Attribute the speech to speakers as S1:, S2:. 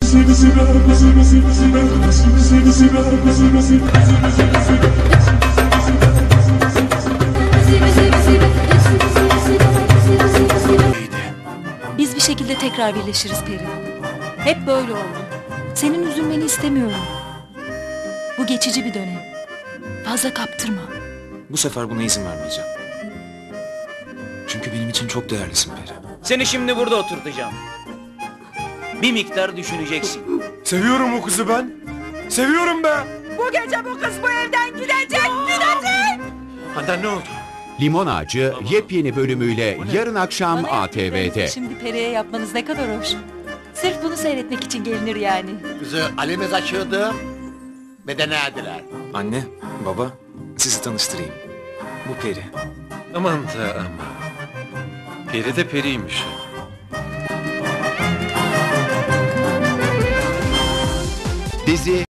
S1: Biz bir şekilde tekrar birleşiriz Peri. Hep böyle oldu. Senin üzülmeni istemiyorum. Bu geçici bir dönem. Fazla kaptırma.
S2: Bu sefer buna izin vermeyeceğim. Çünkü benim için çok değerlisin Peri.
S3: Seni şimdi burada oturtacağım. Bir miktar düşüneceksin.
S4: Seviyorum o kızı ben. Seviyorum be.
S5: Bu gece bu kız bu evden gidecek.
S4: Handan ne oldu?
S6: Limon Ağacı yepyeni bölümüyle yarın akşam
S1: Bana
S6: ATV'de.
S1: yaptıklarınızı şimdi Peri'ye yapmanız ne kadar hoş. Sırf bunu seyretmek için gelinir yani.
S7: Kızı alemiz açıyordu. Bedene erdiler.
S2: Anne, baba, sizi tanıştırayım. Bu Peri.
S4: Aman da aman. Peri de periymiş.
S6: Dizi